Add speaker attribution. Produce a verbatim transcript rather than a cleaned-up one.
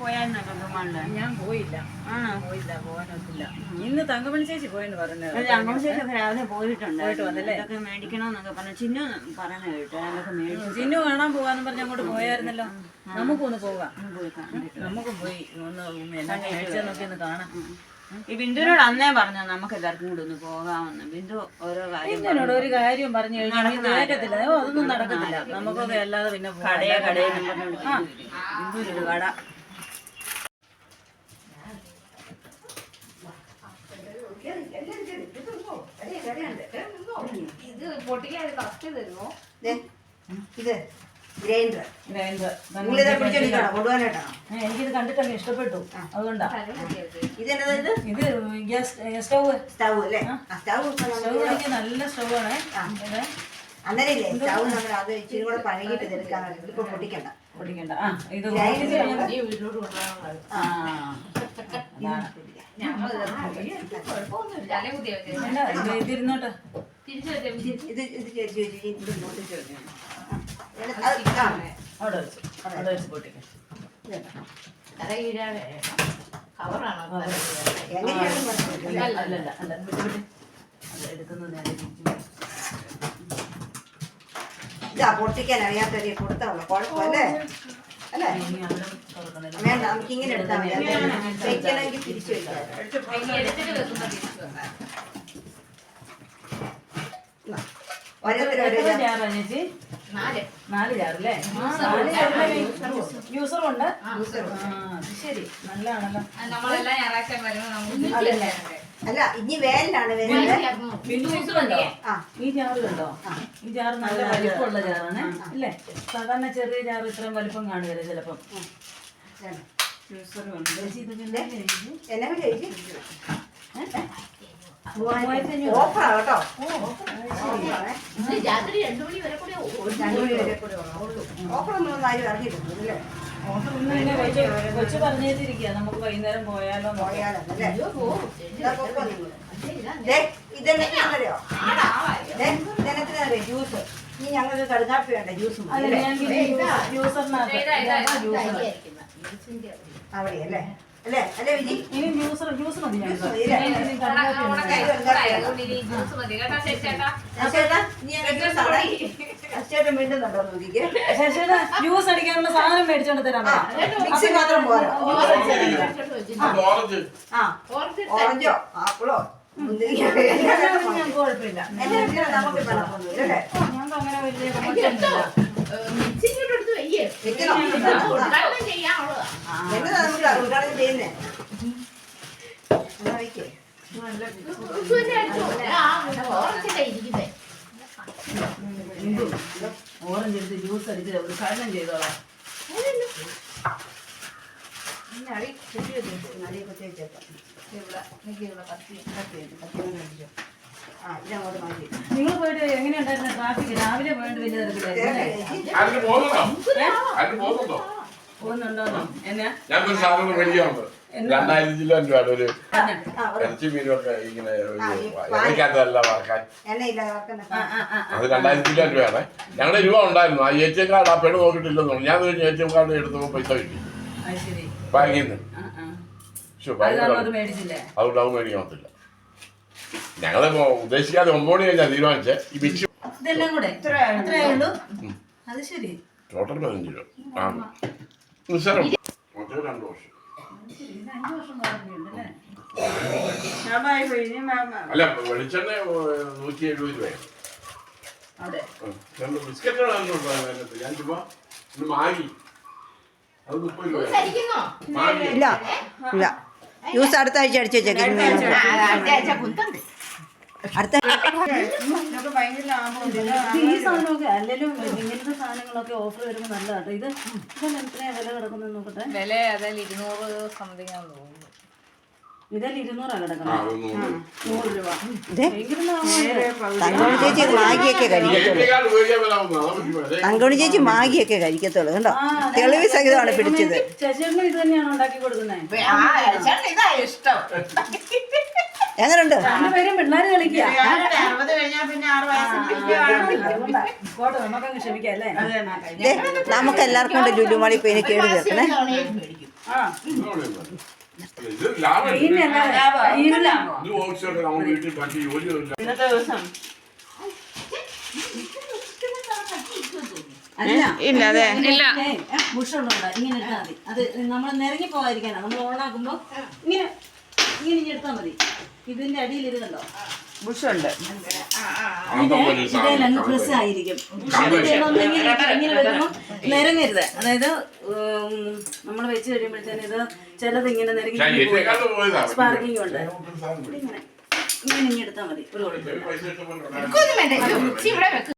Speaker 1: പോയായിരുന്നോ പെരുമാളില്?
Speaker 2: ഞാൻ പോയില്ല.
Speaker 1: ആണോ?
Speaker 2: പോയില്ല, പോകാനൊത്തില്ല. ഇന്ന് തങ്കമണി ചേച്ചി പോയെന്ന് പറഞ്ഞത്.
Speaker 1: തങ്കമണി ചേച്ചി രാവിലെ പോയിട്ടുണ്ട്.
Speaker 2: പോയിട്ട് വന്നല്ലേ?
Speaker 1: അതൊക്കെ മേടിക്കണമെന്നൊക്കെ പറഞ്ഞു. ചിന്നു പറയുന്ന കേട്ടോ അതൊക്കെ മേടിച്ചു.
Speaker 2: ചിന്നു കാണാൻ പോകാന്ന് പറഞ്ഞ് അങ്ങോട്ട് പോയായിരുന്നല്ലോ. നമുക്കൊന്ന് പോകാം.
Speaker 1: പോയി കണ്ടിട്ട്
Speaker 2: നമുക്ക് പോയി ഒന്ന് എന്നാ മേടിച്ചെന്നൊക്കെ ഒന്ന് കാണാം.
Speaker 1: ഈ ബിന്ദുവിനോട് അന്നേ പറഞ്ഞു നമുക്ക് എല്ലാവർക്കും കൂടെ ഒന്ന് പോകാമെന്ന്. ബിന്ദു ഓരോ കാര്യം
Speaker 2: എന്നോട് ഒരു കാര്യം പറഞ്ഞു കഴിഞ്ഞാൽ നടക്കത്തില്ല. ഓ അതൊന്നും നടക്കത്തില്ല. നമുക്കൊക്കെ അല്ലാതെ പിന്നെ
Speaker 1: കടയെ കടയിൽ ബിന്ദുവിനൊരു കട.
Speaker 3: ഇത് പൊട്ടിക്കാൻ കസ്റ്റ് തരുമോ?
Speaker 4: ഇത് ഗ്രൈൻഡർ
Speaker 2: ഗ്രൈൻഡർ
Speaker 4: കൊണ്ടുപോകാനായിട്ടാണോ?
Speaker 2: എനിക്കിത് കണ്ടിട്ടങ്ങ് ഇഷ്ടപ്പെട്ടു. അതുകൊണ്ടാ
Speaker 4: ഇതെന്താ ഇത്?
Speaker 2: ഇത് ഗ്യാസ് സ്റ്റവ്
Speaker 4: സ്റ്റവ് അല്ലേ? സ്റ്റവ്
Speaker 2: സ്റ്റവ് എനിക്ക് നല്ല സ്റ്റവാണ്.
Speaker 4: അന്നേരം ഇല്ലേ സ്റ്റവ് നമ്മൾ അത് ഇച്ചിരി കൂടെ പഴകിട്ട് ഇതെടുക്കാൻ ഇപ്പൊ പൊട്ടിക്കണ്ട
Speaker 2: പൊടിക്കണ്ട. ആ ഇത് ഇതിരുന്നോട്ടെ.
Speaker 4: ഇത് ഇത്
Speaker 2: അവിടെ വെച്ച് അവിടെ വെച്ച് പൊട്ടിക്കാം. അല്ലല്ല അല്ല വിട്ട് വിട്ട് അത് എടുക്കുന്നത് നേരെ
Speaker 4: ഇതാ പൊട്ടിക്കാൻ അറിയാത്തവരെ കൊടുത്താവുള്ളൂ. കുഴപ്പമല്ലേ? അല്ലേ? വേണ്ട, നമുക്ക് ഇങ്ങനെ എടുത്താൽ മതി. വെക്കണമെങ്കിൽ തിരിച്ചു വെക്കാം. ഓരോരുത്തരും
Speaker 2: ജാറാ ചേച്ചി? നാല് ജാറല്ലേ? നാല് ജാറിലെ യൂസറുണ്ട്. ശരി, നല്ലതാണല്ലോ.
Speaker 4: അല്ല ഇനി വേലാണ് വരുന്നത്.
Speaker 2: യൂസറുണ്ടോ? ഈ ജാറ് കണ്ടോ? ഈ ജാറ് നല്ല വലിപ്പമുള്ള ജാറാണ് അല്ലേ? സാധാരണ ചെറിയ ജാറ് ഇത്രയും വലിപ്പം കാണുകയല്ലേ ചിലപ്പം. ചേച്ചി ഇത് പിന്നെ
Speaker 4: എന്നാ ചേച്ചി
Speaker 2: മൂവായിരത്തി
Speaker 4: ഓഫറാ കേട്ടോ. ഓഫറൊന്നും ആരും അറിഞ്ഞിട്ടുണ്ട് അല്ലേ?
Speaker 2: കൊച്ചു പറഞ്ഞേച്ചിരിക്കുക നമുക്ക് വൈകുന്നേരം പോയാലോ
Speaker 4: പോയാലല്ലേ? ഇതെന്നറിയോ? ഇതെന്നറിയോ? ജ്യൂസ്. ഇനി ഞങ്ങൾക്ക് കടുകാപ്പി വേണ്ട ജ്യൂസ് അവിടെ അല്ലേ? അല്ലേ അല്ലേ വിജി?
Speaker 2: ഇനി ജ്യൂസർ ജ്യൂസ് മതി.
Speaker 4: വീണ്ടുന്നുണ്ടോ നോക്കിക്കേ.
Speaker 2: ജ്യൂസ് അടിക്കാനുള്ള സാധനം മേടിച്ചോണ്ട് തരാം.
Speaker 4: മിക്സി മാത്രം പോരാ. ഓറഞ്ചോ ആപ്പിളോ
Speaker 2: കുഴപ്പമില്ല.
Speaker 4: നമുക്ക് അല്ലേ?
Speaker 2: ഞങ്ങൾക്ക് അങ്ങനെ വലിയ
Speaker 4: എന്നതാ നമുക്ക് ഉദ്ഘാടനം ചെയ്യുന്നേ?
Speaker 2: ഓറഞ്ച് എടുത്ത് ജ്യൂസ് അടിച്ച് ഉദ്ഘാടനം ചെയ്തോളാം. നിങ്ങൾ പോയിട്ട് എങ്ങനെയുണ്ടായിരുന്നു ട്രാഫിക്? രാവിലെ പോയിട്ട് വലിയ തിരക്കിലായിരുന്നു. പോകുന്നുണ്ടോ? എന്നാ
Speaker 5: ഞങ്ങൾക്കൊരു സാധനം മേടിക്കാറുണ്ട്. രണ്ടായിരത്തി കിലോ രൂപ ഒരു ഇറച്ചി മീനൊക്കെ ഇങ്ങനെ ഇറക്കാത്തതല്ല വറക്കാൻ. അത് രണ്ടായിരത്തി കിലോ രൂപയാണ്. ഞങ്ങളുടെ രൂപ ഉണ്ടായിരുന്നു. ആ എ ടി എം കാർഡ് ആ പെണ്ണ് നോക്കിയിട്ടില്ലെന്ന് പറഞ്ഞു. ഞാൻ എ ടി എം കാർഡ് എടുത്തപ്പോൾ പൈസ കിട്ടി ബാങ്കിൽ നിന്ന്. അതുകൊണ്ട് അത് മേടിക്കത്തില്ല. ഞങ്ങള് ഉദ്ദേശിക്കാതെ ഒമ്പത് മണി കഴിഞ്ഞാൽ തീരുമാനിച്ചേ. ഈ ബിച്ച്
Speaker 2: ഇതെല്ലാം കൂടെ എത്രയേ ഉള്ളൂ? അത് ശരി.
Speaker 5: ടോട്ടൽ പതിനഞ്ച് രൂപ ആ നിസ്സാരം. രണ്ട് വർഷം അല്ല വെളിച്ചെണ്ണ നൂറ്റി എഴുപത് രൂപയാണ്. രണ്ട് ബിസ്ക്കറ്റുകളാണ് ഞാൻ ചുമ്മാ മാഗി അത് മുപ്പത് രൂപ.
Speaker 4: ഇല്ല ഇല്ല ജ്യൂസ് അടുത്ത ആഴ്ച അടിച്ചു വെച്ചേക്കും. അടുത്ത
Speaker 2: ഈ സാധനമൊക്കെ അല്ലെങ്കിലും ഇങ്ങനത്തെ സാധനങ്ങളൊക്കെ ഓഫർ വരുമ്പോൾ നല്ലതാട്ടോ. ഇത് ഇതെല്ലാം എത്രയാ വില കിടക്കുന്നത് നോക്കട്ടെ.
Speaker 3: വില അതിൽ ഇരുന്നൂറ് സംതിങ് ആണെന്ന് തോന്നുന്നു.
Speaker 2: ഇതിൽ ഇരുന്നൂറാ കിടക്കുന്നത്. നൂറ് രൂപ.
Speaker 4: തങ്കമണി ചേച്ചി മാഗിയൊക്കെ കഴിക്കത്തുള്ളൂ. തങ്കമണി ചേച്ചി മാഗിയൊക്കെ കഴിക്കത്തുള്ളൂ. കണ്ടോ തെളിവ് സഹിതമാണ് പിടിച്ചത്.
Speaker 2: ചേച്ചേട്ടനും ഇത് തന്നെയാണോ ഉണ്ടാക്കി കൊടുക്കുന്നത്?
Speaker 4: എങ്ങനെയുണ്ട്?
Speaker 2: രണ്ടുപേരും പിള്ളേര് കളിക്കുക.
Speaker 4: നമുക്ക് എല്ലാവർക്കും കൊണ്ട് ലുലുമാളി പോയി കേട് തീർക്കണേ.
Speaker 2: ആ
Speaker 5: ഇത് ലാഭം
Speaker 2: ഇതിനല്ല ഇതിനല്ല
Speaker 5: ഇത് ഓഫീസൊക്കെ നമ്മൾ വീട്ടിൽ പറ്റി ജോലിയൊന്നുമില്ല.
Speaker 1: ഇന്നത്തെ ദിവസം
Speaker 2: അല്ല
Speaker 1: ഇല്ല അതെ
Speaker 3: ഇല്ല
Speaker 2: ബുഷുള്ളൂടാ ഇങ്ങനെ എടുത്താൽ മതി അത് നമ്മൾ നിരങ്ങി പോകാതിരിക്കാനാ നമ്മൾ ഓണാക്കുമ്പോ ഇങ്ങനെ ഇങ്ങനെ ഇനി എടുത്താൽ മതി ഇതിന്റെ അടിയിൽ ഇത് കണ്ടോ
Speaker 1: ബുഷുണ്ട്
Speaker 5: അന്തം പോലെ ഒരു സാധനം.
Speaker 2: ഇതേ പ്രസ് ആയിരിക്കും ഇങ്ങനെ ഇങ്ങനെ വെക്കുമ്പോൾ നിരങ്ങരുത് അതായത് നമ്മൾ വെച്ച് കഴിയുമ്പോഴത്തേന് ഇത് ചിലത് ഇങ്ങനെ
Speaker 5: ഞാൻ
Speaker 2: നിരങ്ങി
Speaker 5: ഏറ്റേക്കാളും പോയതാ.
Speaker 2: സ്പാർക്കിംഗ് ഉണ്ട്
Speaker 5: ഒരു സാധനം.
Speaker 2: ഇങ്ങനെ ഇങ്ങനെ ഇനി എടുത്താൽ മതി ഒരു കുഴപ്പമില്ല
Speaker 5: പൈസ ഇഷ്ടം പോലെ ഉണ്ടായിരുന്നു.
Speaker 3: ഇതൊന്നും വേണ്ട. ഇത് ഉച്ചി ഇവിടെ വെക്ക്.